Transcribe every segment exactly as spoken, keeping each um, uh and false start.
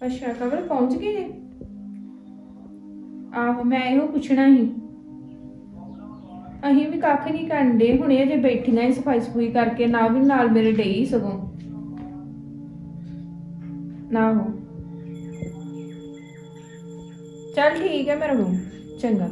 ਅੱਛਾ ਕਵਲ ਪਹੁੰਚ ਗਏ ਨੇ। ਆਹੋ ਮੈਂ ਇਹੋ ਪੁੱਛਣਾ ਸੀ। ਅਸੀਂ ਵੀ ਕੱਖ ਨਹੀਂ ਕਰਨ ਡੇ ਹੁਣੇ ਅਜੇ ਬੈਠੀਆਂ ਹੀ ਸਫਾਈ ਸਫੂਈ ਕਰਕੇ ਨਾ ਵੀ ਨਾਲ ਮੇਰੇ ਡਈ ਸਗੋਂ ਨਾ ਹੋ। ਚੱਲ ਠੀਕ ਹੈ ਮੇਰਾ ਬੂ ਚੰਗਾ।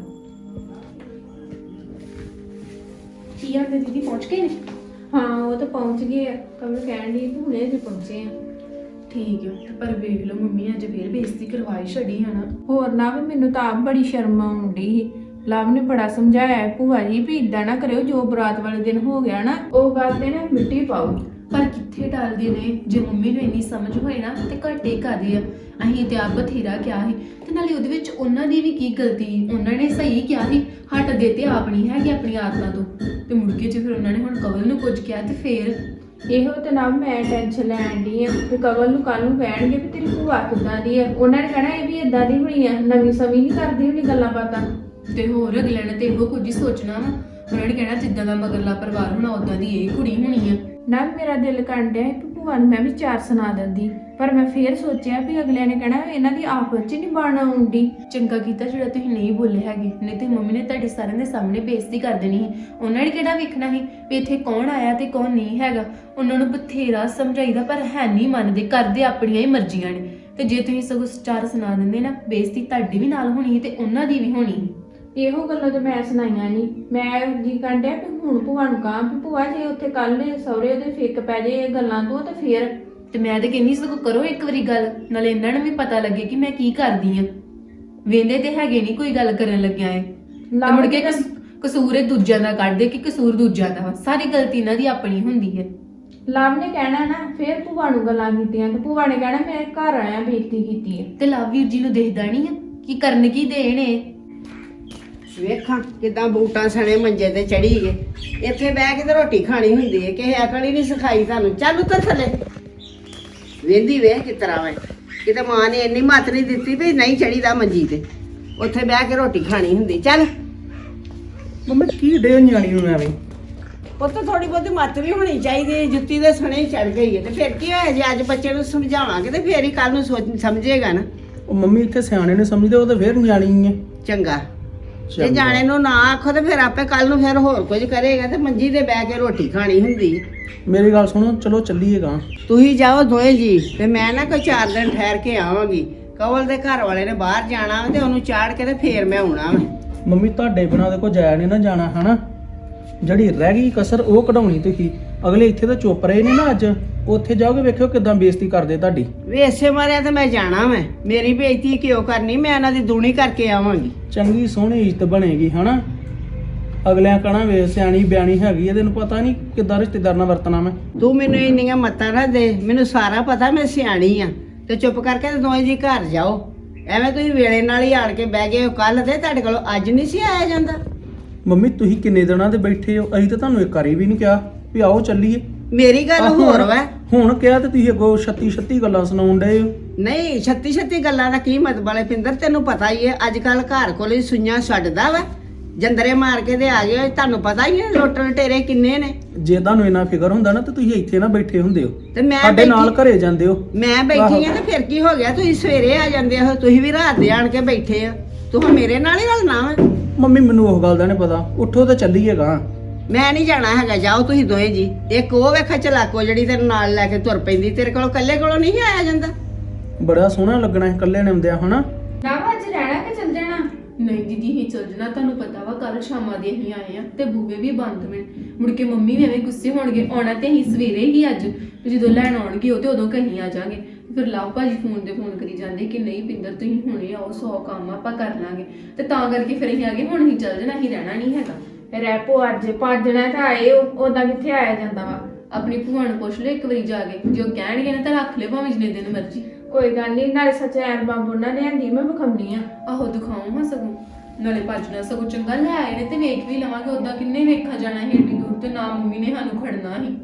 ਕੀ ਆਂਦੇ ਦੀਦੀ ਪਹੁੰਚ ਗਏ ਨੇ? ਹਾਂ ਉਹ ਤਾਂ ਪਹੁੰਚ ਗਏ ਆ। ਕਵਲ ਕਹਿਣ ਦੀ ਕਿ ਹੁਣੇ ਅਜੇ ਪਹੁੰਚੇ ਆ। ਠੀਕ ਹੈ ਪਰ ਵੇਖ ਲਓ ਮੰਮੀ ਅੱਜ ਫੇਰ ਬੇਇੱਜ਼ਤੀ ਕਰਵਾਈ ਛੜੀ ਹੈ ਨਾ। ਹੋਰ ਨਾ ਵੀ ਮੈਨੂੰ ਤਾਂ ਆਪ ਬੜੀ ਸ਼ਰਮ ਆਉਂਦੀ ਸੀ। ਲਵ ਨੇ ਬੜਾ ਸਮਝਾਇਆ ਭੂਆ ਜੀ ਵੀ ਇਦਾਂ ਨਾ ਕਰਿਓ, ਜੋ ਬਰਾਤ ਵਾਲੇ ਦਿਨ ਹੋ ਗਿਆ ਨਾ ਉਹ ਗੱਲ ਤੇ ਨਾ ਮਿੱਟੀ ਪਾਓ। ਪਰ ਕਿੱਥੇ ਟਾਲਦੇ ਨੇ? ਜੇ ਮੰਮੀ ਨੂੰ ਇੰਨੀ ਸਮਝ ਹੋਏ ਨਾ ਤੇ ਘੱਟੇ ਕਰਦੇ ਆ। ਅਸੀਂ ਤੇ ਆਪ ਬਥੇਰਾ ਕਿਹਾ ਸੀ ਤੇ ਨਾਲੇ ਉਹਦੇ ਵਿੱਚ ਉਹਨਾਂ ਦੀ ਵੀ ਕੀ ਗਲਤੀ? ਉਹਨਾਂ ਨੇ ਸਹੀ ਕਿਹਾ ਸੀ ਹਟਦੇ ਤੇ ਆਪ ਨਹੀਂ ਹੈਗੇ ਆਪਣੀ ਆਦਤਾਂ ਤੋਂ। ਤੇ ਮੁੜ ਕੇ ਜੇ ਫਿਰ ਉਹਨਾਂ ਨੇ ਹੁਣ ਕਵਲ ਨੂੰ ਕੁਝ ਕਿਹਾ ਤੇ ਫੇਰ ਇਹੋ ਤੇ ਨਾ ਮੈਂ ਟੈਨਸ਼ਨ ਲੈਣ ਦੀ ਆ ਕਿ ਕਵਲ ਨੂੰ ਕੱਲ ਨੂੰ ਕਹਿਣਗੇ ਵੀ ਤੇਰੀ ਭੂਆ ਕਿੱਦਾਂ ਦੀ ਆ। ਉਹਨਾਂ ਨੇ ਕਹਿਣਾ ਇਹ ਵੀ ਇਦਾਂ ਦੀ ਹੋਣੀ ਆ, ਨਵੀਂ ਸਮੀ ਨਹੀਂ ਕਰਦੀ ਹੋਣੀ ਗੱਲਾਂ ਬਾਤਾਂ। ਤੇ ਹੋਰ ਅਗਲੇ ਨੇ ਤੇ ਇਹੋ ਕੁਝ ਹੀ ਸੋਚਣਾ ਵਾ। ਉਹਨਾਂ ਨੇ ਕਹਿਣਾ ਜਿੱਦਾਂ ਦਾ ਮਗਰਲਾ ਪਰਿਵਾਰ ਹੋਣਾ ਉਦਾਂ ਦੀ ਇਹ ਕੁੜੀ ਹੋਣੀ ਆ। ਨਾ ਮੇਰਾ ਦਿਲ ਕਰਨ ਡਿਆ ਕਿ ਭੂਆ ਨੂੰ ਮੈਂ ਵੀ ਚਾਰ ਸੁਣਾ ਦਿੰਦੀ, ਪਰ ਮੈਂ ਫੇਰ ਸੋਚਿਆ ਵੀ ਅਗਲਿਆਂ ਨੇ ਕਹਿਣਾ ਇਹਨਾਂ ਦੀ ਆਪਸ 'ਚ ਨਹੀਂ ਬਣ ਆਉਂਦੀ। ਚੰਗਾ ਕੀਤਾ ਜਿਹੜਾ ਤੁਸੀਂ ਨਹੀਂ ਬੋਲੇ ਹੈਗੇ, ਨਹੀਂ ਤੇ ਮੰਮੀ ਨੇ ਤੁਹਾਡੇ ਸਾਰਿਆਂ ਦੇ ਸਾਹਮਣੇ ਬੇਇੱਜ਼ਤੀ ਕਰ ਦੇਣੀ ਸੀ। ਉਹਨਾਂ ਨੇ ਕਿਹੜਾ ਵੇਖਣਾ ਸੀ ਵੀ ਇੱਥੇ ਕੌਣ ਆਇਆ ਤੇ ਕੌਣ ਨਹੀਂ ਹੈਗਾ। ਉਹਨਾਂ ਨੂੰ ਬਥੇਰਾ ਸਮਝਾਈਦਾ ਪਰ ਹੈ ਨਹੀਂ ਮੰਨਦੇ, ਕਰਦੇ ਆਪਣੀਆਂ ਹੀ ਮਰਜ਼ੀਆਂ ਨੇ। ਤੇ ਜੇ ਤੁਸੀਂ ਸਗੋਂ ਚਾਰ ਸੁਣਾ ਦਿੰਦੇ ਨਾ, ਬੇਇੱਜ਼ਤੀ ਤੁਹਾਡੀ ਵੀ ਨਾਲ ਹੋਣੀ ਤੇ ਉਹਨਾਂ ਦੀ ਵੀ ਹੋਣੀ। ਇਹੋ ਗੱਲਾਂ ਤਾਂ ਮੈਂ ਸੁਣਾਈਆਂ ਨਹੀਂ। ਮੈਂ ਜੀ ਕਹਿੰਦੇ ਵੀ ਹੁਣ ਭੂਆ ਨੂੰ ਕਹਾਂ ਵੀ ਭੂਆ ਜੇ ਉੱਥੇ ਕੱਲ ਸਹੁਰੇ ਉਹਦੇ ਫਿੱਕ ਪੈ ਜੇ ਇਹ ਗੱਲਾਂ ਤੋਂ ਤੇ ਫੇਰ ਤੇ ਮੈਂ ਤੇ ਕਹਿੰਦੀ ਸਗੋਂ ਕਰੋ ਇੱਕ ਵਾਰੀ ਗੱਲ, ਨਾਲੇ ਇਹਨਾਂ ਨੂੰ ਵੀ ਪਤਾ ਲੱਗੇ ਕਿ ਮੈਂ ਕੀ ਕਰਦੀ ਆ। ਵੇਂਦੇ ਤੇ ਹੈਗੇ ਨਹੀਂ ਕੋਈ ਗੱਲ ਕਰਨ ਲੱਗਿਆ ਏ ਤੇ ਮੁੜ ਕੇ ਕਸੂਰ ਇਹ ਦੂਜਿਆਂ ਦਾ ਕੱਢਦੇ ਕਿ ਕਸੂਰ ਦੂਜਿਆਂ ਦਾ ਵਾ। ਸਾਰੀ ਗਲਤੀ ਇਹਨਾਂ ਦੀ ਆਪਣੀ ਹੁੰਦੀ ਹੈ। ਲਵ ਨੇ ਕਹਿਣਾ ਨਾ ਫੇਰ ਭੂਆ ਨੂੰ ਗੱਲਾਂ ਕੀਤੀਆਂ ਤੇ ਭੂਆ ਨੇ ਕਹਿਣਾ ਮੈਂ ਘਰ ਆਇਆ ਬੇਇੱਜ਼ਤੀ ਕੀਤੀ ਹੈ। ਤੇ ਲਵਵੀਰ ਜੀ ਨੂੰ ਦੇਖਦਾ ਨਹੀਂ ਆ ਕੀ ਕਰਨ ਕੀ ਦੇਣੇ। ਵੇਖਾਂ ਕਿਦਾਂ ਬੂਟਾਂ ਸਣੇ ਮੰਜੇ ਤੇ ਚੜੀ ਗਏ। ਇੱਥੇ ਬਹਿ ਕੇ ਤੇ ਰੋਟੀ ਖਾਣੀ ਹੁੰਦੀ ਹੈ, ਕਿਸੇ ਅਕਲ ਹੀ ਨਹੀਂ ਸਿਖਾਈ ਤੁਹਾਨੂੰ। ਚੱਲ ਉੱਤਰ ਥੱਲੇ। ਵੇਂਦੀ ਵੇਖ ਕਿਸ ਤਰ੍ਹਾਂ ਵੇ, ਕਿਤੇ ਮਾਂ ਨੇ ਇੰਨੀ ਮੱਤ ਨਹੀਂ ਦਿੱਤੀ ਵੀ ਨਹੀਂ ਚੜੀਦਾ ਮੰਜੀ ਤੇ, ਉੱਥੇ ਬਹਿ ਕੇ ਰੋਟੀ ਖਾਣੀ ਹੁੰਦੀ। ਚੱਲ ਮੰਮੀ ਕੀ ਡੇ ਨਿਆਣੀ ਨੂੰ ਐਵੇਂ? ਉੱਥੇ ਥੋੜੀ ਬਹੁਤੀ ਮੱਤ ਵੀ ਹੋਣੀ ਚਾਹੀਦੀ ਹੈ। ਜੁੱਤੀ ਦੇ ਸਣੇ ਹੀ ਚੜ ਗਈ ਹੈ ਤੇ ਫਿਰ ਕੀ ਹੋਇਆ? ਜੇ ਅੱਜ ਬੱਚੇ ਨੂੰ ਸਮਝਾਵਾਂਗੇ ਤੇ ਫੇਰ ਹੀ ਕੱਲ ਨੂੰ ਸੋਚ ਸਮਝੇਗਾ ਨਾ। ਉਹ ਮੰਮੀ ਇੱਥੇ ਸਿਆਣੇ ਨੇ ਸਮਝਦੇ, ਉਹ ਤਾਂ ਫੇਰ ਨਿਆਣੀ ਹੈ। ਚੰਗਾ ਜੇ ਜਾਣੇ ਨੂੰ ਨਾ ਆਖੋ ਤੇ ਫਿਰ ਆਪੇ ਕੱਲ ਨੂੰ ਫਿਰ ਹੋਰ ਕੁਝ ਕਰੇਗਾ ਤੇ ਮੰਜੀ ਤੇ ਬਹਿ ਕੇ ਰੋਟੀ ਖਾਣੀ ਹੁੰਦੀ। ਮੇਰੀ ਗੱਲ ਸੁਣੋ, ਚਲੋ ਚੱਲੀਏਗਾ। ਤੁਸੀਂ ਜਾਓ ਦੋਏ ਜੀ ਤੇ ਮੈਂ ਨਾ ਕੋਈ ਚਾਰ ਦਿਨ ਠਹਿਰ ਕੇ ਆਵਾਂਗੀ। ਕਵਲ ਦੇ ਘਰ ਵਾਲੇ ਨੇ ਬਾਹਰ ਜਾਣਾ ਤੇ ਉਹਨੂੰ ਚਾੜ ਕੇ ਤੇ ਫੇਰ ਮੈਂ ਆਉਣਾ ਵਾ। ਮੰਮੀ ਤੁਹਾਡੇ ਬਿਨਾਂ ਦੇ ਕੋ ਜਾਇਆ ਨਹੀਂ ਨਾ ਜਾਣਾ ਹਨਾ। ਜਿਹੜੀ ਰਹਿ ਗਈ ਕਸਰ ਉਹ ਕਢਾਉਣੀ ਤੁਸੀਂ। ਅਗਲੇ ਇੱਥੇ ਤਾਂ ਚੁੱਪ ਰਹੇ ਨੇ ਨਾ, ਅੱਜ ਉੱਥੇ ਜਾਓਗੇ ਵੇਖਿਓ ਕਿਦਾਂ ਬੇਇੱਜ਼ਤੀ ਕਰਦੇ ਤੁਹਾਡੀ। ਵੇ ਇਸੇ ਮਾਰਿਆ ਤੇ ਮੈਂ ਜਾਣਾ ਮੈਂ, ਮੇਰੀ ਬੇਇੱਜ਼ਤੀ ਕਿਉਂ ਕਰਨੀ? ਮੈਂ ਇਹਨਾਂ ਦੀ ਦੂਣੀ ਕਰਕੇ ਆਵਾਂਗੀ। ਚੰਗੀ ਸੋਹਣੀ ਇੱਜ਼ਤ ਬਣੇਗੀ ਹਨਾ। ਅਗਲਿਆਂ ਕਹਣਾ ਵੇ ਸਿਆਣੀ ਬਿਆਣੀ ਹੈਗੀ ਆ, ਤੈਨੂੰ ਪਤਾ ਨਹੀਂ ਕਿੱਦਾਂ ਰਿਸ਼ਤੇਦਾਰ ਨਾਲ ਵਰਤਣਾ ਮੈਂ। ਤੂੰ ਮੈਨੂੰ ਇੰਨੀਆਂ ਮੱਤਾਂ ਨਾ ਦੇ, ਮੈਨੂੰ ਸਾਰਾ ਪਤਾ ਮੈਂ ਸਿਆਣੀ ਆ। ਤੇ ਚੁੱਪ ਕਰਕੇ ਤੇ ਦੋਵੇਂ ਜੀ ਘਰ ਜਾਓ। ਐਵੇਂ ਤੁਸੀਂ ਵੇਲੇ ਨਾਲ ਹੀ ਆਣ ਕੇ ਬਹਿ ਗਏ ਹੋ। ਕੱਲ ਤੇ ਤੁਹਾਡੇ ਕੋਲ ਅੱਜ ਨਹੀਂ ਸੀ ਆਇਆ ਜਾਂਦਾ। ਮੰਮੀ ਤੁਸੀਂ ਕਿੰਨੇ ਦਿਨਾਂ ਦੇ ਬੈਠੇ ਹੋ? ਅਸੀਂ ਤਾਂ ਤੁਹਾਨੂੰ ਇੱਕ ਵਾਰੀ ਵੀ ਨਹੀਂ ਕਿਹਾ ਵੀ ਆਓ ਚੱਲੀਏ। ਮੇਰੀ ਗੱਲ ਹੋਰ ਵਾ। ਹੁਣ ਕਿਹਾ ਤੇ ਤੁਸੀਂ ਅੱਗੋਂ ਛੱਤੀ ਛੱਤੀ ਗੱਲਾਂ ਸੁਣਾਉਣ ਡਏ ਹੋ। ਨਹੀਂ ਛੱਤੀ ਛੱਤੀ ਗੱਲਾਂ ਦਾ ਕੀ ਮਤਲਬ ਵਾਲੇ ਪਿੰਦਰ? ਤੈਨੂੰ ਪਤਾ ਹੀ ਹੈ ਅੱਜ ਕੱਲ ਘਰ ਕੋਲ ਹੀ ਸੁਈਆਂ ਛੱਡਦਾ ਵਾ, ਜੰਦਰੇ ਮਾਰ ਕੇ ਤੇ ਆ ਗਏ। ਤੁਹਾਨੂੰ ਪਤਾ ਹੀ ਹੈ ਲੋਟਣ ਟੇਰੇ ਕਿੰਨੇ ਨੇ। ਜੇ ਤੁਹਾਨੂੰ ਇੰਨਾ ਫਿਕਰ ਹੁੰਦਾ ਨਾ ਤੇ ਤੁਸੀਂ ਇੱਥੇ ਨਾ ਬੈਠੇ ਹੁੰਦੇ ਹੋ, ਤੇ ਮੈਂ ਸਾਡੇ ਨਾਲ ਬੈਠੀ- ਘਰੇ ਜਾਂਦੇ ਹੋ। ਮੈਂ ਬੈਠੀ ਆ ਤੇ ਫਿਰ ਕੀ ਹੋ ਗਿਆ? ਤੁਸੀਂ ਸਵੇਰੇ ਆ ਜਾਂਦੇ ਹੋ, ਤੁਸੀਂ ਵੀ ਰਾਤ ਦੇ ਆਣ ਕੇ ਬੈਠੇ ਹੋ। ਤੂੰ ਹੁਣ ਮੇਰੇ ਨਾਲ ਹੀ ਰਲਣਾ ਵਾ। ਮੰਮੀ ਮੈਨੂੰ ਉਹ ਗੱਲ ਦਾ ਨਹੀਂ ਪਤਾ, ਉੱਠੋ ਤੇ ਚੱਲੀਏਗਾ। ਮੈਂ ਨਹੀਂ ਜਾਣਾ ਹੈਗਾ, ਜਾਓ ਤੁਸੀਂ ਦੋਵੇਂ ਜੀ। ਇੱਕ ਉਹ ਵੇਖਾ ਚਲਾਕੋ ਜਿਹੜੀ ਤੇਰੇ ਨਾਲ ਲੈ ਕੇ ਤੁਰ ਪੈਂਦੀ, ਤੇਰੇ ਕੋਲ ਇਕੱਲੇ ਕੋਲੋਂ ਨਹੀਂ ਆਇਆ ਜਾਂਦਾ। ਬੜਾ ਸੋਹਣਾ ਲੱਗਣਾ ਹੈ ਇਕੱਲੇ ਨੇ ਆਉਂਦਿਆਂ ਹਨਾ। ਨਾ ਅੱਜ ਰਹਿਣਾ ਕਿ ਚੱਲ ਜਾਣਾ? ਨਹੀਂ ਦੀਦੀ ਹੀ ਚੱਲ ਜਾਣਾ। ਤੁਹਾਨੂੰ ਪਤਾ ਵਾ ਕੱਲ ਸ਼ਾਮਾਂ ਦੇ ਅਸੀਂ ਆਏ ਆ ਤੇ ਬੂਵੇ ਵੀ ਬੰਦ ਮਿਲ। ਮੁੜ ਕੇ ਮੰਮੀ ਵੀ ਐਵੇਂ ਗੁੱਸੇ ਹੋਣਗੇ। ਆਉਣਾ ਤੇ ਅਸੀਂ ਸਵੇਰੇ ਹੀ ਅੱਜ, ਤੇ ਜਦੋਂ ਲੈਣ ਆਉਣਗੇ ਉਹ ਤੇ ਉਦੋਂ ਕਹੀਂ ਆ ਜਾਾਂਗੇ। ਫਿਰ ਲਵ ਭਾਜੀ ਫੋਨ ਤੇ ਫੋਨ ਕਰੀ ਜਾਂਦੇ ਕਿ ਨਹੀਂ ਪਿੰਦਰ ਤੁਸੀਂ ਹੁਣੇ ਆਓ, ਸੌ ਕੰਮ ਆਪਾਂ ਕਰ ਲਾਂਗੇ। ਤੇ ਤਾਂ ਕਰਕੇ ਫਿਰ ਅਸੀਂ ਆ ਗਏ। ਹੁਣ ਅਸੀਂ ਚੱਲ ਜਾਣਾ, ਅਸੀਂ ਰਹਿਣਾ ਨਹੀਂ ਹੈਗਾ। ਰੈਪੋ ਅੱਜ ਪੰਜ ਦਿਨਾਂ ਤਾਂ ਆਏ ਉਦਾਂ ਕਿੱਥੇ ਆਇਆ ਜਾਂਦਾ ਵਾ। ਆਪਣੀ ਭੂਆ ਨੂੰ ਪੁੱਛ ਲਿਓ ਇੱਕ ਵਾਰੀ ਜਾ ਕੇ, ਜੇ ਉਹ ਕਹਿਣਗੇ ਨਾ ਤਾਂ ਰੱਖ ਲਿਓ ਭਾਵੇਂ ਜਿੰਨੇ ਦਿਨ ਮਰਜ਼ੀ। ਕੋਈ ਗੱਲ ਨਹੀਂ, ਨਾਲੇ ਸੱਚ ਐਲਬਮ ਉਹਨਾਂ ਨੇ ਆਂਦੀ ਮੈਂ ਵਿਖਾਉਣੀ ਆ। ਆਹੋ ਦਿਖਾਓ ਹਾਂ ਸਗੋਂ, ਨਾਲੇ ਭੱਜਣਾ ਸਗੋਂ ਚੰਗਾ ਲੈ ਆਏ ਨੇ ਤੇ ਵੇਖ ਵੀ ਲਵਾਂਗੇ। ਉਦਾਂ ਕਿੰਨੇ ਵੇਖਾ ਜਾਣਾ ਸੀ ਏਡੀ ਦੂਰ, ਤੇ ਨਾ ਮੰਮੀ ਨੇ ਸਾਨੂੰ ਖੜਨਾ ਸੀ।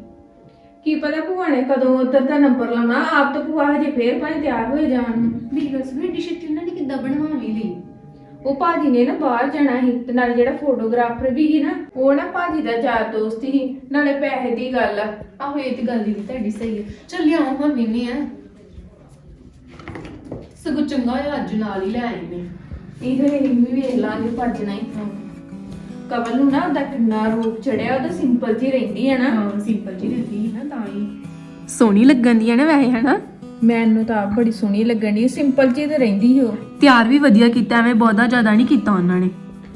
ਕੀ ਪਤਾ ਭੂਆ ਨੇ ਕਦੋਂ ਉਧਰ ਦਾ ਨੰਬਰ ਲਾਉਣਾ। ਆਪ ਤਾਂ ਭੂਆ ਹਜੇ ਫੇਰ ਭਾਈ ਤਿਆਰ ਹੋਏ ਜਾਣ ਨੂੰ। ਮੇਰੀ ਗੱਲ ਸੁਣ, ਏਡੀ ਛੇਤੀ ਉਹਨਾਂ ਨੇ ਕਿੱਦਾਂ ਬਣਵਾਵੀ ਲਈ? ਉਹ ਭਾਜੀ ਨੇ ਨਾ ਬਾਹਰ ਜਾਣਾ ਸੀ ਤੇ ਨਾਲੇ ਜਿਹੜਾ ਫੋਟੋਗ੍ਰਾਫਰ ਵੀ ਸੀ ਨਾ ਉਹ ਨਾ ਭਾਜੀ ਦਾ ਯਾਰ ਦੋਸਤ ਸੀ, ਨਾਲੇ ਪੈਸੇ ਦੀ ਗੱਲ ਆ। ਆਹੋ ਇਹ ਤੇ ਗੱਲ ਦੀ ਤੁਹਾਡੀ ਸਹੀ ਹੈ। ਚੱਲ ਆਓ ਹਾਂ ਵੀਨੇ ਆ। ਸਗੋਂ ਚੰਗਾ ਹੋਇਆ ਅੱਜ ਨਾਲ ਹੀ ਲੈ ਆਈ ਨੇ। ਇਹ ਫਿਰ ਇਹ ਵੀ ਵੇਖ ਲਾਂਗੇ ਭੱਜਣਾ ਹੀ। ਕਵਲ ਨੂੰ ਨਾ ਉਹਦਾ ਕਿੰਨਾ ਰੂਪ ਚੜਿਆ, ਉਹਦਾ ਸਿੰਪਲ ਜੀ ਰਹਿੰਦੀ ਹੈ ਨਾ। ਹਾਂ ਸਿੰਪਲ ਜੀ ਰਹਿੰਦੀ ਸੀ ਨਾ ਤਾਂ ਹੀ ਸੋਹਣੀ ਲੱਗਣ ਦੀ ਹੈ ਨਾ ਵੈਸੇ ਹਨਾ। ਮੈਨੂੰ ਤਾਂ ਆਪ ਬੜੀ ਸੋਹਣੀ ਲੱਗਣ ਦੀ, ਸਿੰਪਲ ਜੀ ਤੇ ਰਹਿੰਦੀ ਸੀ ਉਹ। ਤਿਆਰ ਵੀ ਵਧੀਆ ਕੀਤਾ, ਐਵੇਂ ਬਹੁਤਾ ਜ਼ਿਆਦਾ ਨਹੀਂ ਕੀਤਾ ਉਹਨਾਂ ਨੇ।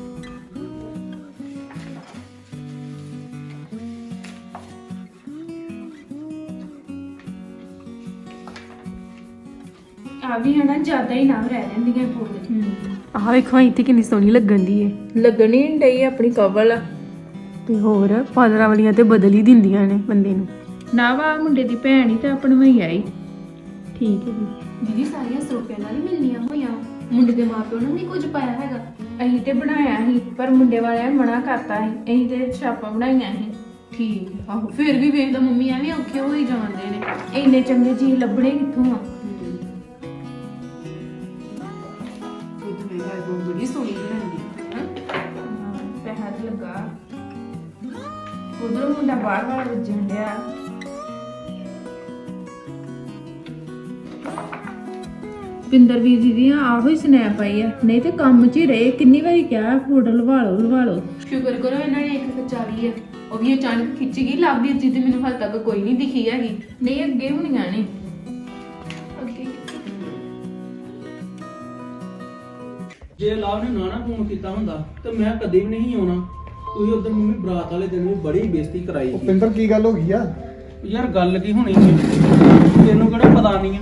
ਆ ਵੀ ਹਨਾ ਜ਼ਿਆਦਾ ਹੀ ਨਾ ਰਹਿ ਜਾਂਦੀਆਂ ਪੂਰੇ। ਆਹ ਵੇਖੋ ਇੱਥੇ ਕਿੰਨੀ ਸੋਹਣੀ ਲੱਗਣ ਦੀ ਏ। ਲੱਗਣੀ ਨਹੀਂ ਡਈ ਆਪਣੀ ਕਵਲ। ਤੇ ਹੋਰ ਪਾਦਰਾਂ ਵਾਲੀਆਂ ਤੇ ਬਦਲ ਹੀ ਦਿੰਦੀਆਂ ਨੇ ਬੰਦੇ ਨੂੰ। ਨਾ ਵਾ ਮੁੰਡੇ ਦੀ ਭੈਣ ਹੀ ਤਾਂ ਆਪਣ ਵਈ ਆਈ। ਠੀਕ ਹੈ ਜੀ। ਦੀਦੀ ਸਾਰੀਆਂ ਸਰੋਪਿਆਂ ਨਾਲ ਹੀ ਮਿਲਣੀਆਂ ਹੋਈਆਂ, ਮੁੰਡੇ ਦੇ ਮਾਪਿਓ ਨੇ ਨਹੀਂ ਕੁਝ ਪਾਇਆ ਹੈਗਾ। ਅਸੀਂ ਤੇ ਬਣਾਇਆ ਸੀ ਪਰ ਮੁੰਡੇ ਵਾਲਿਆਂ ਨੇ ਮਨਾ ਕਰਤਾ ਸੀ। ਅਸੀਂ ਤੇ ਛਾਪਾਂ ਬਣਾਈਆਂ ਸੀ। ਠੀਕ ਹੈ। ਆਹੋ ਫਿਰ ਵੀ ਵੇਖ ਲਓ ਮੰਮੀ ਐਵੇਂ ਔਖੇ ਹੋ ਹੀ ਜਾਂਦੇ ਨੇ। ਇੰਨੇ ਚੰਗੇ ਜੀ ਲੱਭਣੇ ਕਿੱਥੋਂ ਆ। ਖੁਦ ਮੈਂ ਗੱਲ ਬੜੀ ਸੋਹਣੀ ਬਣਾਉਂਦੀ ਹਾਂ। ਪੈਸਾ ਤੇ ਲੱਗਾ। ਉਧਰੋਂ ਮੁੰਡਾ ਬਾਹਰ ਬਾਹਰ ਵੱਜਣ ਡਿਆ। ਪਿੰਦਰ ਵੀਰ ਜੀ ਦੀਆਂ ਆਹੋ ਹੀ ਸਨੈਪ ਆਈ ਆ, ਨਹੀਂ ਤੇ ਕੰਮ 'ਚ ਹੀ ਰਹੇ। ਕਿੰਨੀ ਵਾਰੀ ਕਿਹਾ ਫੋਟੋ ਲਵਾ ਲਓ ਲਵਾ ਲਓ। ਸ਼ੁਕਰ ਕਰੋ ਇਹਨਾਂ ਨੇ ਇੱਕ ਖਿਚਾਰੀ ਹੈ, ਉਹ ਵੀ ਅਚਾਨਕ ਖਿੱਚ ਗਈ। ਲੱਭਦੀ ਜੀ ਤੇ ਮੈਨੂੰ ਹਾਲ ਤੱਕ ਕੋਈ ਨਹੀਂ ਦਿਖੀ ਹੈਗੀ। ਨਹੀਂ ਅੱਗੇ ਹੋਣੀਆਂ ਨੇ। ਅੱਗੇ ਜੇ ਲਾਭ ਨੇ ਨਾ ਨਾ ਫੋਨ ਕੀਤਾ ਹੁੰਦਾ ਤੇ ਮੈਂ ਕਦੇ ਵੀ ਨਹੀਂ ਆਉਣਾ। ਤੁਸੀਂ ਉਦੋਂ ਮੰਮੀ ਬਰਾਤ ਵਾਲੇ ਦਿਨ ਵੀ ਬੜੀ ਬੇਇੱਜ਼ਤੀ ਕਰਾਈ ਸੀ। ਉਪਿੰਦਰ ਕੀ ਗੱਲ ਹੋ ਗਈ ਆ? ਯਾਰ ਗੱਲ ਕੀ ਹੋਣੀ ਸੀ, ਤੈਨੂੰ ਕਿਹੜਾ ਪਤਾ ਨਹੀਂ ਆ।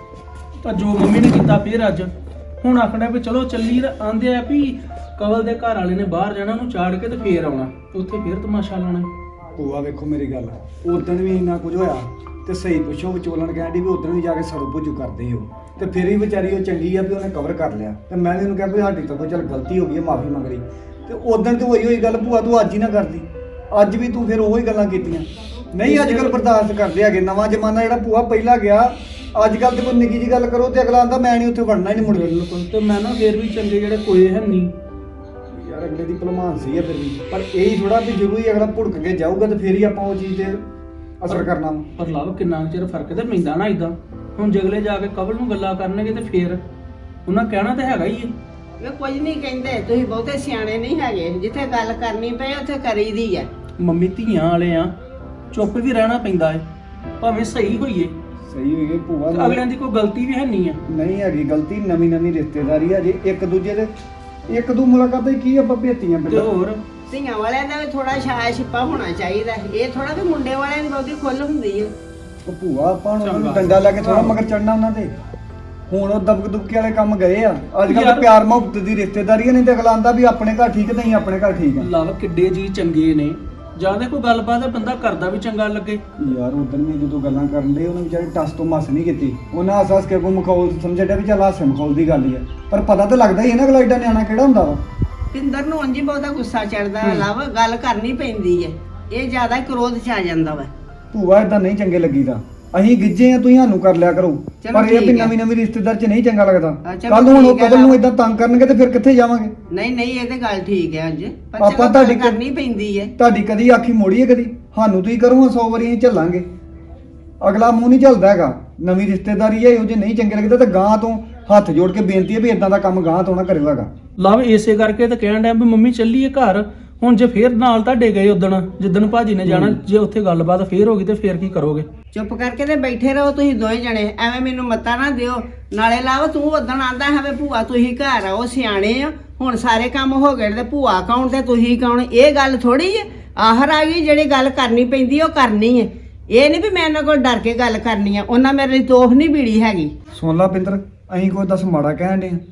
ਤਾਂ ਜੋ ਮੰਮੀ ਨੇ ਕੀਤਾ ਫੇਰ ਅੱਜ ਹੁਣ ਆਖਣਾ ਵੀ ਚਲੋ ਚੱਲੀ। ਆਂਦੇ ਆ ਵੀ ਕਵਲ ਦੇ ਘਰ ਵਾਲੇ ਨੇ ਬਾਹਰ ਜਾਣਾ, ਉਹਨੂੰ ਚਾੜ ਕੇ ਤੇ ਫੇਰ ਆਉਣਾ, ਉੱਥੇ ਫੇਰ ਤਮਾਸ਼ਾ ਲਾਉਣਾ। ਭੂਆ ਵੇਖੋ ਮੇਰੀ ਗੱਲ, ਉਦੋਂ ਵੀ ਇੰਨਾ ਕੁਝ ਹੋਇਆ ਤੇ ਸਹੀ ਪੁੱਛੋ ਵਿਚੋਲਣ ਕਹਿੰਦੀ ਵੀ ਉਦੋਂ ਵੀ ਜਾ ਕੇ ਸਰੂ ਭੁੱਜੂ ਕਰਦੇ ਹੋ ਤੇ ਫਿਰ ਵੀ ਵਿਚਾਰੀ ਉਹ ਚੰਗੀ ਆ ਵੀ ਉਹਨੇ ਕਵਰ ਕਰ ਲਿਆ। ਤੇ ਮੈਂ ਵੀ ਉਹਨੂੰ ਕਿਹਾ ਵੀ ਸਾਡੀ ਤਾਂ ਚੱਲ ਗਲਤੀ ਹੋ ਗਈ ਹੈ, ਮਾਫੀ ਮੰਗ ਲਈ। ਤੇ ਉਦੋਂ ਤੇ ਹੋਈ ਹੋਈ ਗੱਲ ਭੂਆ ਤੂੰ ਅੱਜ ਹੀ ਨਾ ਕਰਦੀ। ਅੱਜ ਵੀ ਤੂੰ ਫਿਰ ਉਹੀ ਗੱਲਾਂ ਕੀਤੀਆਂ। ਨਹੀਂ ਅੱਜ ਕੱਲ ਬਰਦਾਸ਼ਤ ਕਰਦੇ ਹੈਗੇ। ਨਵਾਂ ਜ਼ਮਾਨਾ ਜਿਹੜਾ ਭੂਆ ਪਹਿਲਾਂ ਗਿਆ, ਅੱਜ ਕੱਲ ਤੇ ਕੋਈ ਨਿੱਕੀ ਜੀ ਗੱਲ ਕਰੋ ਤੇ ਅਗਲਾ ਆਂਦਾ ਮੈਂ ਨਹੀਂ ਉੱਥੇ ਵੜਨਾ ਹੀ ਨਹੀਂ ਮੁੜ ਕੇ। ਬਿਲਕੁਲ। ਤੇ ਮੈਂ ਨਾ ਫੇਰ ਵੀ ਚੰਗੇ ਜਿਹੜੇ ਕੋਏ ਹੈ ਨਹੀਂ ਯਾਰ ਅਗਲੇ ਦੀ ਭਲਮਾਨ ਸੀ ਆ ਫਿਰ ਵੀ, ਪਰ ਇਹ ਹੀ ਥੋੜਾ ਵੀ ਜ਼ਰੂਰੀ ਅਗਲਾ ਭੁੜਕ ਕੇ ਜਾਊਗਾ ਤੇ ਫੇਰ ਹੀ ਆਪਾਂ ਉਹ ਚੀਜ਼ ਤੇ ਅਸਰ ਕਰਨਾ ਵਾ। ਪਰ ਲਵ ਕਿੰਨਾ ਕੁ ਚਿਰ ਫਰਕ ਤੇ ਪੈਂਦਾ ਨਾ ਇਦਾਂ। ਹੁਣ ਜਗਲੇ ਜਾ ਕੇ ਕਵਲ ਨੂੰ ਗੱਲਾਂ ਕਰਨਗੇ ਤੇ ਫੇਰ ਉਹਨਾਂ ਕਹਿਣਾ ਤੇ ਹੈਗਾ ਹੀ ਹੈ। ਇਹ ਕੁਝ ਨਹੀਂ ਕਹਿੰਦੇ, ਤੁਸੀਂ ਬਹੁਤੇ ਸਿਆਣੇ ਨਹੀਂ ਹੈਗੇ। ਜਿੱਥੇ ਗੱਲ ਕਰਨੀ ਪਏ ਉੱਥੇ ਕਰੀਦੀ ਆ। ਮੰਮੀ ਧੀਆਂ ਵਾਲੇ ਆ, ਚੁੱਪ ਵੀ ਰਹਿਣਾ ਪੈਂਦਾ ਹੈ ਭਾਵੇਂ ਸਹੀ ਹੋਈਏ। ਸਹੀ ਹੋਈ ਗਈ ਭੂਆ। ਤੇ ਅਗਲਿਆਂ ਦੀ ਕੋਈ ਗਲਤੀ ਵੀ ਹੈ ਨਹੀਂ ਆ। ਨਹੀਂ ਹੈਗੀ ਗਲਤੀ, ਨਵੀਂ ਨਵੀਂ ਰਿਸ਼ਤੇਦਾਰੀ ਆ ਜੇ ਇੱਕ ਦੂਜੇ ਦੇ ਇੱਕ ਦੂ ਮੁਲਾਕਾਤਾਂ ਕੀ ਆਪਾਂ ਭੇਤੀਆਂ ਤੇ ਪਹਿਲਾਂ। ਹੋਰ ਧੀਆਂ ਵਾਲਿਆਂ ਦਾ ਵੀ ਥੋੜਾ ਛਾਇਆ ਛਿੱਪਾ ਹੋਣਾ ਚਾਹੀਦਾ। ਇਹ ਥੋੜਾ ਵੀ ਮੁੰਡੇ ਵਾਲਿਆਂ ਦੀ ਬਹੁਤੀ ਖੁੱਲ ਹੁੰਦੀ ਹੈ। ਉਹ ਭੂਆ ਆਪਾਂ ਹੁਣ ਉਹਨਾਂ ਨੂੰ ਚੰਗਾ। ਡੰਡਾ ਲੈ ਕੇ ਥੋੜਾ ਮਗਰ ਚੜਨਾ ਉਹਨਾਂ ਦੇ। ਹੁਣ ਉਹ ਦਬਕ ਦੁਬਕੇ ਵਾਲੇ ਕੰਮ ਗਏ ਆ। ਅੱਜ ਕੱਲ ਯਾਰ- ਪਿਆਰ ਮੁਹੱਬਤ ਦੀ ਰਿਸ਼ਤੇਦਾਰੀ ਆ, ਨਹੀਂ ਤੇ ਅਗਲਾ ਆਂਦਾ ਵੀ ਆਪਣੇ ਘਰ ਠੀਕ ਨਹੀਂ ਆਪਣੇ ਘਰ ਠੀਕ ਆ। ਲਵ ਕਿੱਡੇ ਜੀ ਚੰਗੇ ਨੇ। ਜਾਂ ਤੇ ਕੋਈ ਗੱਲਬਾਤ ਬੰਦਾ ਕਰਦਾ ਵੀ ਚੰਗਾ ਲੱਗੇ। ਯਾਰ ਉਦੋਂ ਵੀ ਜਦੋਂ ਗੱਲਾਂ ਕਰਨ ਦੇ ਉਹਨਾਂ ਵਿਚਾਰੇ ਟਸ ਤੋਂ ਮਸ ਨਹੀਂ ਕੀਤੀ। ਉਹਨਾਂ ਹੱਸ ਹੱਸ ਕੇ ਕੋ ਮਖੌਲ ਸਮਝਿਆ ਵੀ ਚੱਲ ਹਾਸੇ ਮਖੌਲ ਦੀ ਗੱਲ ਹੀ ਆ, ਪਰ ਪਤਾ ਤਾਂ ਲੱਗਦਾ ਹੀ ਹੈ ਨਾ ਅਗਲਾ ਏਡਾ ਨਿਆਣਾ ਕਿਹੜਾ ਹੁੰਦਾ ਵਾ। ਪਿੰਦਰ ਨੂੰ ਉਂਝ ਹੀ ਬਹੁਤਾ ਗੁੱਸਾ ਚੜਦਾ। ਲਵ ਗੱਲ ਕਰਨੀ ਪੈਂਦੀ ਹੈ। ਇਹ ਜ਼ਿਆਦਾ ਕ੍ਰੋਧ ਚ ਆ ਜਾਂਦਾ ਵਾ। ਭੂਆ ਇਦਾਂ ਨਹੀਂ ਚੰਗੇ ਲੱਗੀਦਾ। ਅਸੀਂ ਗਿੱਜੇ ਆ, ਤੁਸੀਂ ਸਾਨੂੰ ਕਰ ਲਿਆ ਕਰੋ। ਚਲੋ ਪਰ ਇਹ ਵੀ ਠੀਕ ਹੈ। ਨਵੀਂ ਨਵੀਂ ਰਿਸ਼ਤੇਦਾਰ ਚ ਨਹੀਂ ਚੰਗਾ ਲੱਗਦਾ। ਹਾਂ, ਚਲੋ ਕੱਲ ਹੁਣ ਉਹ ਠੀਕ ਹੈ ਕਬਲ ਨੂੰ ਨਾ। ਇਦਾਂ ਤੰਗ ਕਰਨਗੇ ਤੇ ਫਿਰ ਕਿੱਥੇ ਜਾਵਾਂਗੇ। ਨਹੀਂ ਨਹੀਂ ਇਹ ਤੇ ਗੱਲ ਠੀਕ ਹੈ। ਅੱਜ ਪਰ ਆਪਾਂ ਚਲੋ ਗੱਲ ਤੁਹਾਡੀ ਕ- ਕਰਨੀ ਪੈਂਦੀ ਹੈ। ਤੁਹਾਡੀ ਕਦੀ ਆਖੀ ਮੋੜੀ ਹੈ ਕਦੀ? ਸਾਨੂੰ ਤੁਸੀਂ ਕਰੋ ਸੌ ਵਾਰੀ ਅਸੀਂ ਝੱਲਾਂਗੇ। ਅਗਲਾ ਮੂੰਹ ਨਹੀਂ ਝੱਲਦਾ ਹੈਗਾ। ਨਵੀਂ ਰਿਸ਼ਤੇਦਾਰੀ ਹੈ, ਇਹੋ ਜੇ ਨਹੀਂ ਚੰਗੇ ਲੱਗਦਾ ਤਾਂ ਗਾਂ ਤੋਂ ਹੱਥ ਜੋੜ ਕੇ ਬੇਨਤੀ ਹੈ ਵੀ ਇਦਾਂ ਦਾ ਕੰਮ ਗਾਂ ਤੋਂ ਨਾ ਕਰਿਓ ਹੈਗਾ। ਲਵ ਇਸੇ ਕਰਕੇ ਤਾਂ ਕਹਿਣ ਡਿਆ ਵੀ ਮੰਮੀ ਚੱਲੀਏ ਘਰ। ਹੁਣ ਜੇ ਫੇਰ ਨਾਲ ਤੁਹਾਡੇ ਗਏ ਉਦਣ ਜਿੱਦਣ ਭਾਜੀ ਨੇ ਜਾਣਾ, ਜੇ ਉੱਥੇ ਗੱਲਬਾਤ ਫੇਰ ਹੋ ਗਈ ਤੇ ਫੇਰ ਕੀ ਕਰੋਗੇ? ਚੁੱਪ ਕਰਕੇ ਤੇ ਬੈਠੇ ਰਹੋ ਤੁਸੀਂ ਦੋਵੇਂ ਜਣੇ। ਐਵੇਂ ਮੈਨੂੰ ਮੱਤਾ ਨਾ ਦਿਓ। ਨਾਲੇ ਲਾਵ ਤੂੰ ਉਦਣ ਆਂਦਾ ਹੈ ਵੀ ਭੂਆ ਤੁਸੀਂ ਘਰ ਆਓ, ਸਿਆਣੇ ਆ। ਹੁਣ ਸਾਰੇ ਕੰਮ ਹੋ ਗਏ ਤੇ ਭੂਆ ਕੌਣ ਤੇ ਤੁਸੀਂ ਕੌਣ? ਇਹ ਗੱਲ ਥੋੜੀ ਹੈ। ਆਹਰ ਆ ਗਈ, ਜਿਹੜੀ ਗੱਲ ਕਰਨੀ ਪੈਂਦੀ ਉਹ ਕਰਨੀ ਹੈ। ਇਹ ਨਹੀਂ ਵੀ ਮੈਂ ਇਹਨਾਂ ਕੋਲ ਡਰ ਕੇ ਗੱਲ ਕਰਨੀ ਆ। ਉਹਨਾਂ ਮੇਰੇ ਲਈ ਤੋਫ ਨਹੀਂ ਬੀੜੀ ਹੈਗੀ। ਸੁਣ ਲਾ ਪਿੰਦਰ, ਅਸੀਂ ਕੋਈ ਦੱਸ ਮਾੜਾ ਕਹਿਣ ਦੇ ਆ।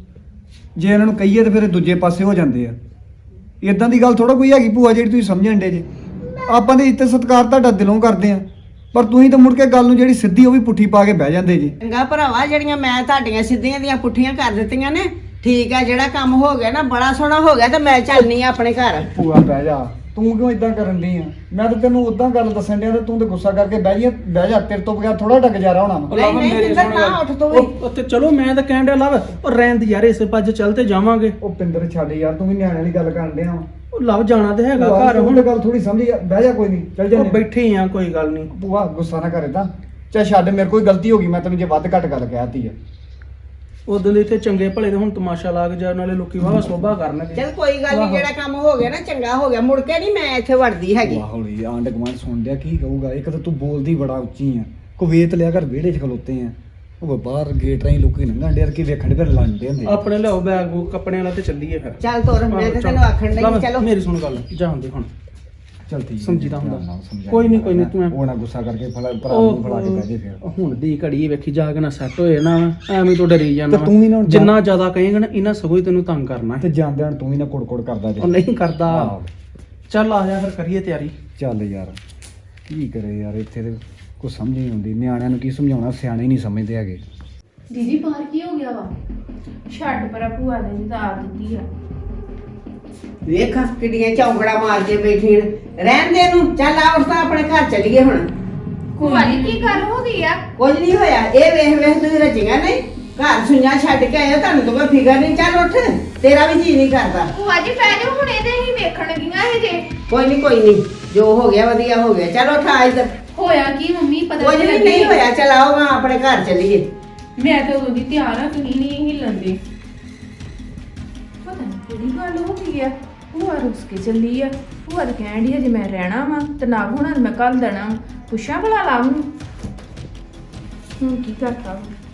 ਜੇ ਇਹਨਾਂ ਨੂੰ ਕਹੀਏ ਤੇ ਫਿਰ ਇਹ ਦੂਜੇ ਪਾਸੇ ਹੋ ਜਾਂਦੇ ਆ। ਇਦਾਂ ਦੀ ਗੱਲ ਥੋੜਾ ਕੋਈ ਹੈਗੀ ਭੂਆ ਜਿਹੜੀ ਤੁਸੀਂ ਸਮਝਣ ਡੇ ਜੇ। ਆਪਾਂ ਦੇ ਇੱਜ਼ਤ ਸਤਿਕਾਰ ਤੁਹਾਡਾ ਦਿਲੋਂ ਕਰਦੇ ਆ, ਪਰ ਤੁਸੀਂ ਤਾਂ ਮੁੜ ਕੇ ਗੱਲ ਨੂੰ ਜਿਹੜੀ ਸਿੱਧੀ ਉਹ ਵੀ ਪੁੱਠੀ ਪਾ ਕੇ ਬਹਿ ਜਾਂਦੇ ਜੀ। ਚੰਗਾ ਭਰਾਵਾ, ਜਿਹੜੀਆਂ ਮੈਂ ਤੁਹਾਡੀਆਂ ਸਿੱਧੀਆਂ ਦੀਆਂ ਪੁੱਠੀਆਂ ਕਰ ਦਿੱਤੀਆਂ ਨੇ। ਠੀਕ ਆ, ਜਿਹੜਾ ਕੰਮ ਹੋ ਗਿਆ ਨਾ ਬੜਾ ਸੋਹਣਾ ਹੋ ਗਿਆ ਤੇ ਮੈਂ ਚੱਲਨੀ ਆ ਆਪਣੇ ਘਰ। ਭੂਆ ਬਹਿ ਜਾ, ਤੂੰ ਕਿਉਂ ਇਦਾਂ ਕਰਨ ਦੀ ਆ? ਮੈਂ ਤਾਂ ਤੈਨੂੰ ਉਦਾਂ ਗੱਲ ਦੱਸਣ ਡਿਆ ਤੇ ਤੂੰ ਤੇ ਗੁੱਸਾ ਕਰਕੇ ਬਹਿ ਜਾ ਬਹਿ ਜਾ। ਤੇਰੇ ਤੋਂ ਬਗੈਰ ਥੋੜਾ ਢੱਕ ਜਾ ਹੋਣਾ ਵਾ। ਨਹੀਂ, ਨਹੀਂ, ਮੇਰੇ ਪਿੰਦਰ, ਸੁਣ ਨਾ ਗੱਲ। ਉੱਠ ਤੂੰ ਵੀ। ਉਹ ਤੇ ਚਲੋ ਮੈਂ ਤਾਂ ਕਹਿਣ ਡਿਆ ਲਵ ਉਹ ਰਹਿਣ ਦੀ ਯਾਰ, ਇਸੇ ਪੱਜ ਚੱਲ ਤੇ ਜਾਵਾਂਗੇ। ਉਹ ਪਿੰਦਰ ਛੱਡ ਯਾਰ, ਤੂੰ ਵੀ ਨਿਆਣੇ ਵਾਲੀ ਗੱਲ ਕਰਨ ਡਿਆ ਵਾ। ਉਹ ਲਵ ਜਾਣਾ ਤੇ ਹੈਗਾ ਭੂਆ ਘਰ। ਹੁਣ ਹੁਣ ਗੱਲ ਥੋੜੀ ਸਮਝੀ, ਬਹਿ ਜਾ ਕੋਈ ਨਹੀਂ, ਚੱਲ ਉਹ ਜਾਂਦੇ। ਬੈਠੇ ਆ, ਕੋਈ ਗੱਲ ਨਹੀਂ। ਭੂਆ ਗੁੱਸਾ ਨਾ ਕਰੇ ਤਾਂ। ਚੱਲ ਛੱਡ, ਮੇਰੇ ਕੋਈ ਗਲਤੀ ਹੋ ਗਈ, ਮੈਂ ਤੈਨੂੰ ਜੇ ਵੱਧ ਘੱਟ ਗੱਲ ਕਹਿਤੀ ਆ। ਉਦੋਂ ਦੇ ਤੇ ਚੰਗੇ ਭਲੇ ਦੇ ਹੁਣ ਤਮਾਸ਼ਾ ਲਾ ਕੇ ਜਾ ਨਾਲੇ ਲੋਕੀ ਵਾਵਾ ਸੋਭਾ ਕਰਨਗੇ। ਚਲ ਕੋਈ ਗੱਲ ਨਹੀਂ, ਆਹੋ। ਜਿਹੜਾ ਕੰਮ ਹੋ ਗਿਆ ਨਾ ਚੰਗਾ ਹੋ ਗਿਆ, ਮੁੜ ਕੇ ਨਹੀਂ ਮੈਂ ਇੱਥੇ ਵੜਦੀ ਹੈਗੀ। ਵਾਹ ਹੌਲੀ ਆਂਡ ਗਵਾਂਡ ਸੁਣ ਲਿਆ ਕੀ ਕਹੂਗਾ। ਇੱਕ ਤਾਂ ਤੂੰ ਬੋਲਦੀ ਬੜਾ ਉੱਚੀ ਆ, ਕੋ ਵੇਤ ਲਿਆ ਕਰ ਵਿਹੜੇ 'ਚ ਖਲੋਤੇ ਆ, ਉਹ ਬਾਹਰ ਗੇਟ ਰਾਹੀਂ ਲੋਕੀ ਲੰਘਣ ਡੇਰ ਕੀ ਵੇਖਣ ਫਿਰ ਲੰਡੇ ਹੁੰਦੇ ਆ। ਆਪਣੇ ਲਿਆਓ ਬੈਗ ਬੂਗ ਕੱਪੜਿਆਂ ਵਾਲਾ ਤੇ ਚੱਲੀਏ ਫਿਰ। ਚੱਲ ਤੋਰ, ਮੈਂ ਆਹੋ, ਤੇ ਚੱਲ। ਤੈਨੂੰ ਆਖਣ ਲਵ, ਲਈ ਚਲੋ। ਮੇਰੀ ਸੁਣ ਗੱਲ, ਜਾਂਦੇ ਹੁਣ ਚੱਲ ਠੀਕ ਹੈ, ਸਮਝੀਦਾ ਧਿਆਨ ਹੁੰਦਾ। ਨਾਲ ਸਮਝਾਈ ਕੋਈ ਨਹੀਂ, ਕੋਈ ਨਹੀਂ, ਤੂੰ ਐਂ- ਉਹ ਨਾ ਗੁੱਸਾ ਕਰਕੇ ਫਲਾ ਭਰਾ ਨੂੰ ਫੜਾ ਕੇ ਬਹਿ ਜੇ ਫਿਰ। ਉਹ ਹੁਣ ਦੀ ਘੜੀ ਵੇਖੀ ਜਾ ਕੇ ਨਾ ਸੈੱਟ ਹੋਏ ਨਾ ਐਵੇਂ ਤੋਂ ਡਰੀ ਜਾਂਦਾ ਤੇ ਤੂੰ ਵੀ ਨਾ ਹੁਣ ਜਾ- ਜਿੰਨਾ ਜ਼ਿਆਦਾ ਕਹੇਂਗਾ ਨਾ ਇਹਨਾਂ ਸਗੋਂ ਹੀ ਤੈਨੂੰ ਤੰਗ ਕਰਨਾ ਹੈ। ਤੇ ਜਾਂਦੇ ਹਣ ਤੂੰ ਵੀ ਨਾ ਕੁੜ-ਕੁੜ ਕਰਦਾ ਜੇ। ਉਹ ਨਹੀਂ ਕਰਦਾ। ਆਹੋ। ਚੱਲ ਆ ਜਾ ਫਿਰ ਕਰੀਏ ਤਿਆਰੀ। ਚੱਲ ਯਾਰ ਕੀ ਕਰੇ ਯਾਰ, ਇੱਥੇ ਤੇ ਕੁਛ ਸਮਝ ਨਹੀਂ ਆਉਂਦੀ। ਨਿਆਣਿਆਂ ਨੂੰ ਕੀ ਸਮਝਾਉਣਾ, ਸਿਆਣੇ ਨਹੀਂ ਸਮਝਦੇ ਹੈਗੇ। ਦੀਦੀ ਬਾਹਰ ਕੀ ਹੋ ਗਿਆ ਵਾ? ਛੱਡ ਪਰਾ, ਭੂਆ ਨੇ ਜੀ ਤਾਂ ਆ ਦਿੱਤੀ ਆ। ਵੇਖ ਕਿੱਡੀਆਂ ਚੌਂਕੜਾ ਮਾਰ ਕੇ ਬੈਠੀ ਨੇ। ਰਹਿਣ ਦੇ ਇਹਨੂੰ, ਚੱਲ ਆ ਉੱਠ ਤਾਂ ਆਪਣੇ ਘਰ ਚੱਲੀਏ ਹੁਣ। ਭੂਆ ਜੀ ਕੀ ਗੱਲ ਹੋ ਗਈ ਆ? ਕੁਝ ਨਹੀਂ ਹੋਇਆ, ਇਹ ਵੇਖ ਵੇਖ ਤੁਸੀਂ ਰਜੀਆਂ ਨਹੀਂ ਘਰ ਸੁਈਆਂ ਛੱਡ ਕੇ ਆਏ ਹੋ, ਤੁਹਾਨੂੰ ਤਾਂ ਕੋਈ ਫਿਕਰ ਨਹੀਂ। ਚੱਲ ਉੱਠ, ਤੇਰਾ ਵੀ ਜੀ ਨਹੀਂ ਕਰਦਾ। ਭੂਆ ਜੀ ਪੈ ਜਾਓ, ਹੁਣ ਇਹਦੇ ਹੀ ਵੇਖਣ ਗਈਆਂ ਇਹ ਜੇ। ਕੋਈ ਨਹੀਂ ਕੋਈ ਨਹੀਂ, ਜੋ ਹੋ ਗਿਆ ਵਧੀਆ ਹੋ ਗਿਆ। ਚੱਲ ਉੱਠ ਆ ਇੱਧਰ। ਹੋਇਆ ਕੀ ਮੰਮੀ? ਪਤਾ ਕੁਝ ਨਹੀਂ ਨਹੀਂ ਹੋਇਆ, ਚੱਲ ਆਓ ਹਾਂ ਆਪਣੇ ਘਰ ਚੱਲੀਏ। ਮੈਂ ਤਾਂ ਉਦੋਂ ਦੀ ਤਿਆਰ ਆ, ਤੁਸੀਂ ਨਹੀਂ ਹਿੱਲਣ ਦੇ। ਪਤਾ ਨਹੀਂ ਕਿਹੜੀ ਗੱਲ ਹੋ ਗਈ ਆ। ਭੂਆ ਰੁੱਸ ਕੇ ਚੱਲੀ ਆ। ਭੂਆ ਤਾਂ ਕਹਿਣ ਡਈ ਆ ਜੇ ਮੈਂ ਰਹਿਣਾ ਵਾ ਤੇ ਨਾ ਹੋਣਾ ਮੈਂ ਕੱਲ ਦੇਣਾ। ਪੁੱਛਾਂ ਭਲਾ ਲਾ ਉਹਨੂੰ ਹੁਣ ਕੀ ਕਰਤਾ ਵਾ।